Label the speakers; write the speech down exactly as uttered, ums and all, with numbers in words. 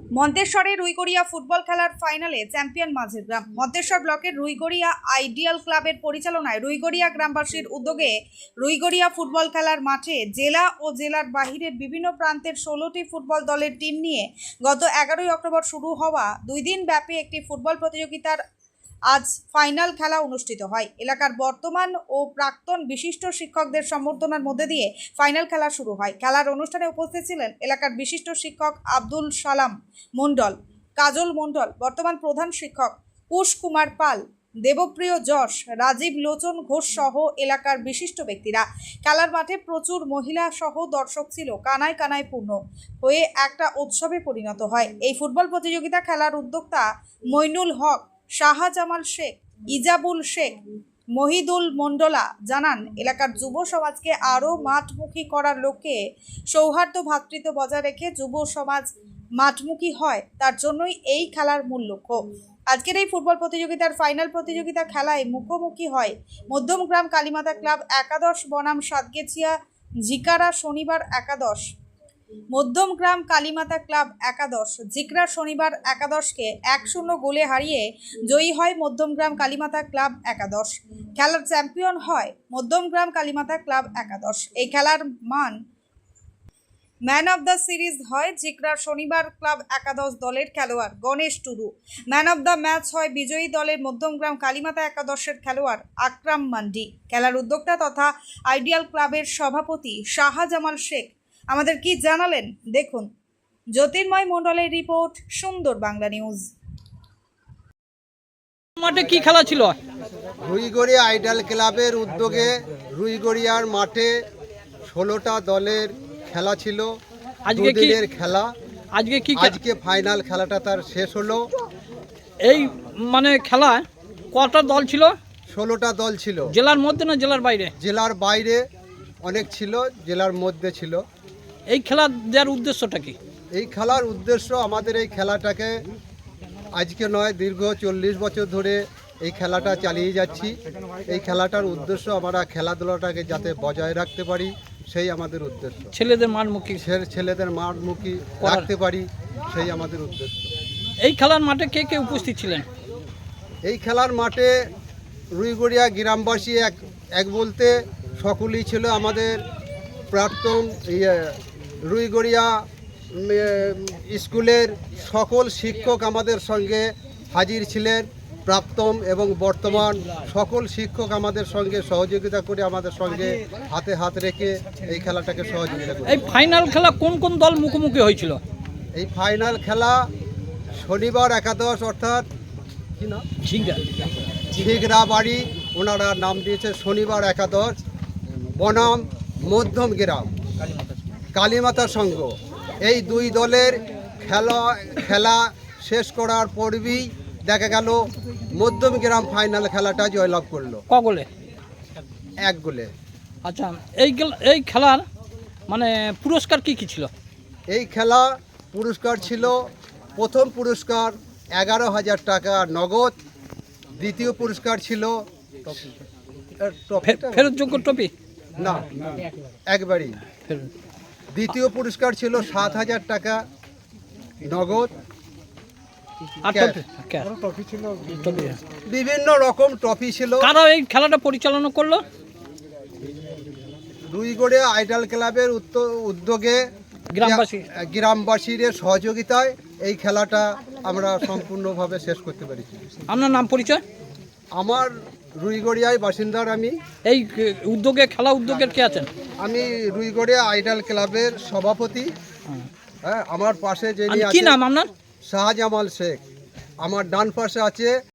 Speaker 1: মন্তেশ্বরে Ruigaria football খেলার ফাইনালে champion মাঝের গ্রাম। মন্তেশ্বর ব্লকের রুইগড়িয়া আইডিয়াল ক্লাবের পরিচালনায় রুইগড়িয়া গ্রামবাসীর উদ্যোগে রুইগড়িয়া ফুটবল খেলার মাঠে জেলা ও জেলার বাহিরের বিভিন্ন প্রান্তের ষোলোটি ফুটবল দলের টিম নিয়ে গত এগারোই অক্টোবর শুরু হওয়া দুই দিন ব্যাপী একটি ফুটবল প্রতিযোগিতার আজ ফাইনাল খেলা অনুষ্ঠিত হয়। এলাকার বর্তমান ও প্রাক্তন বিশিষ্ট শিক্ষকদের সম্বর্ধনার মধ্যে দিয়ে ফাইনাল খেলা শুরু হয়। খেলার অনুষ্ঠানে উপস্থিত ছিলেন এলাকার বিশিষ্ট শিক্ষক আব্দুল সালাম মণ্ডল, কাজল মণ্ডল, বর্তমান প্রধান শিক্ষক কুশ কুমার পাল, দেবপ্রিয় যশ, রাজীব লোচন ঘোষ সহ এলাকার বিশিষ্ট ব্যক্তিরা। খেলার মাঠে প্রচুর মহিলা সহ দর্শক ছিল কানায় কানায় পূর্ণ হয়ে একটা উৎসবে পরিণত হয়। এই ফুটবল প্রতিযোগিতা খেলার উদ্যোক্তা মইনুল হক, শাহজামাল শেখ, ইজাবুল শেখ, মহিদুল মণ্ডলা জানান, এলাকার যুব সমাজকে আরও মাঠমুখী করার লক্ষ্যে সৌহার্দ্য ভ্রাতৃত্ব বজায় রেখে যুব সমাজ মাঠমুখী হয়, তার জন্যই এই খেলার মূল লক্ষ্য। আজকের এই ফুটবল প্রতিযোগিতার ফাইনাল প্রতিযোগিতা খেলায় মুখোমুখি হয় মধ্যমগ্রাম কালীমাতা ক্লাব একাদশ বনাম সাতগেছিয়া ঝিকারা শনিবার একাদশ। মধ্যমগ্রাম কালীমাতা ক্লাব একাদশ জিকরা শনিবার একাদশকে এক শূন্য গোলে হারিয়ে জয়ী হয় মধ্যমগ্রাম কালীমাতা ক্লাব একাদশ। খেলার চ্যাম্পিয়ন হয় মধ্যমগ্রাম কালীমাতা ক্লাব একাদশ। এই খেলার মান ম্যান অব দ্য সিরিজ হয় জিকরা শনিবার ক্লাব একাদশ দলের খেলোয়াড় Ganesh Tudu. Man of the match হয় বিজয়ী দলের মধ্যমগ্রাম কালীমাতা একাদশের খেলোয়াড় আকরাম মান্ডি। খেলার উদ্যোক্তা তথা আইডিয়াল ক্লাবের সভাপতি শাহজামাল শেখ আমাদের কি জানালেন দেখুন। জ্যোতির্ময় মণ্ডলের রিপোর্ট, সুন্দর বাংলা নিউজ।
Speaker 2: মাঠে কি খেলা ছিল?
Speaker 3: রুইগড়িয়া আইডাল ক্লাবের উদ্যোগে রুইগড়িয়ার মাঠে ষোলোটা দলের খেলা ছিল।
Speaker 2: আজকে কি
Speaker 3: দুদিনের খেলা,
Speaker 2: আজকে কি
Speaker 3: আজকে ফাইনাল খেলাটা তার শেষ হলো।
Speaker 2: এই মানে খেলা কটা দল ছিল?
Speaker 3: ষোলোটা দল ছিল।
Speaker 2: জেলার মধ্যে না জেলার বাইরে?
Speaker 3: জেলার বাইরে অনেক ছিল, জেলার মধ্যে ছিল।
Speaker 2: এই খেলা দেওয়ার উদ্দেশ্যটা কি?
Speaker 3: এই খেলার উদ্দেশ্য, আমাদের এই খেলাটাকে আজকে নয়, দীর্ঘ চল্লিশ বছর ধরে এই খেলাটা চালিয়ে যাচ্ছি। এই খেলাটার উদ্দেশ্য আমরা খেলাধুলাটাকে যাতে বজায় রাখতে পারি, সেই আমাদের উদ্দেশ্য।
Speaker 2: ছেলেদের মাঠমুখী
Speaker 3: ছে- ছেলেদের মাঠমুখী রাখতে পারি, সেই আমাদের উদ্দেশ্য।
Speaker 2: এই খেলার মাঠে কে কে উপস্থিত ছিলেন?
Speaker 3: এই খেলার মাঠে রুইগড়িয়া গ্রামবাসী এক এক বলতে সকলেই ছিল। আমাদের প্রাক্তন ইয়ে রুইগড়িয়া উম, স্কুলের সকল শিক্ষক আমাদের সঙ্গে হাজির ছিলেন। প্রাক্তন এবং বর্তমান সকল শিক্ষক আমাদের সঙ্গে সহযোগিতা করে, আমাদের সঙ্গে হাতে হাত রেখে এই খেলাটাকে সহযোগিতা করে।
Speaker 2: এই ফাইনাল খেলা কোন কোন দল মুখোমুখি হয়েছিল?
Speaker 3: এই ফাইনাল খেলা শনিবার একাদশ, অর্থাৎ কি না
Speaker 2: ঝিঙ্গা
Speaker 3: ঝিগরা বাড়ি, ওনারা নাম দিয়েছে শনিবার একাদশ বনাম মধ্যম গ্রাম কালীমাতা সংঘ। এই দুই দলের খেলা খেলা শেষ করার পরই দেখা গেল মধ্যম গ্রাম ফাইনাল খেলাটা জয়লাভ করলো
Speaker 2: ক গোলে?
Speaker 3: এক গোলে।
Speaker 2: আচ্ছা, এই গেল- এই খেলার মানে পুরস্কার কি কি ছিল?
Speaker 3: এই খেলা পুরস্কার ছিল, প্রথম পুরস্কার এগারো হাজার টাকা নগদ। দ্বিতীয় পুরস্কার ছিল এর ট্রফিটা?
Speaker 2: ফেরতযোগ্য ট্রফি
Speaker 3: না, একবারই।
Speaker 2: ফেরত।
Speaker 3: দ্বিতীয় পুরস্কার ছিল সাত হাজার টাকা নগদ।
Speaker 2: আর
Speaker 3: ক্যাশ।
Speaker 2: Trophy cash. ট্রফি।
Speaker 3: বিভিন্ন রকম ট্রফি ছিল।
Speaker 2: কারা এই খেলাটা পরিচালনা করলো?
Speaker 3: রুইগড়ে আইডাল ক্লাবের উত্ত- উদ্যোগে
Speaker 2: গ্রামবাসী।
Speaker 3: গ্রামবাসীর সহযোগিতায় এই খেলাটা আমরা সম্পূর্ণভাবে শেষ করতে পেরেছি।
Speaker 2: আপনার নাম পরিচয়?
Speaker 3: আমার রুইগড়িয়ায় বাসিন্দার আমি।
Speaker 2: এই উদ্যোগে খেলা উদ্যোগের কে আছেন?
Speaker 3: আমি রুইগড়িয়া আইডাল ক্লাবের সভাপতি। হ্যাঁ, আমার পাশে যিনি
Speaker 2: কি
Speaker 3: আছেন
Speaker 2: নাম আপনার?
Speaker 3: শাহজামাল শেখ। আমার ডান পাশে আছে